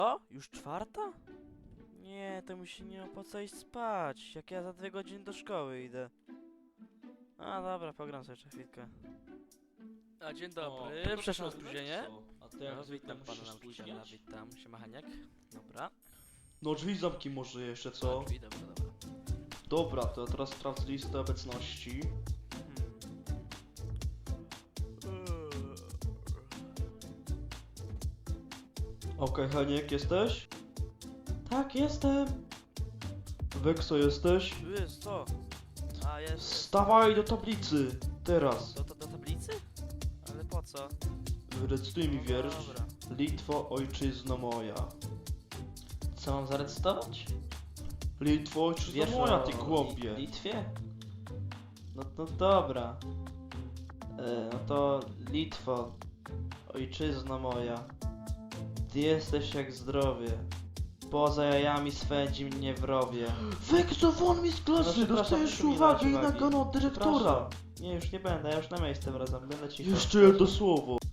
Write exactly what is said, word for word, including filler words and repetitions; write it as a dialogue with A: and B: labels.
A: O? Już czwarta? Nie, to mi się nie opłaca iść spać, jak ja za dwie godziny do szkoły idę. A dobra, pogram sobie jeszcze chwilkę. A dzień dobry,
B: O,
A: przepraszam za
B: to
A: spóźnienie.
B: A ty jak
A: No,
B: zwykle
A: witam
B: musisz
A: pana
B: się
A: nauczyciela,
B: spóźniać?
A: witam, siema Haniek. Dobra.
C: No drzwi zamki może jeszcze, co?
A: Drzwi, dobra, dobra.
C: Dobra, to teraz sprawdź listę obecności. Okej, Heniek, jesteś? Tak, jestem. Wekso, jesteś?
A: Tu jest co? A, jest.
C: Wstawaj do tablicy! Teraz.
A: Do, do, do tablicy? Ale po co?
C: Recytuj mi
A: No
C: wiersz.
A: dobra.
C: Litwo, ojczyzno moja.
B: Co mam zarecytować?
C: Litwo, ojczyzno
B: Wiersz
C: moja,
B: o
C: ty głąbie.
B: Li- Litwie? No to dobra. E, no to Litwo, ojczyzno moja. Ty jesteś jak zdrowie. Poza jajami swędzi mnie wrowie.
C: Wekso, won mi z
B: No,
C: klasy!
B: przepraszam,
C: Dostajesz
B: proszę mi
C: uwagę i
B: dać uwagi.
C: naganę od dyrektora!
B: Nie, już nie będę, ja już na miejsce wracam, będę cicho.
C: Jeszcze jedno słowo.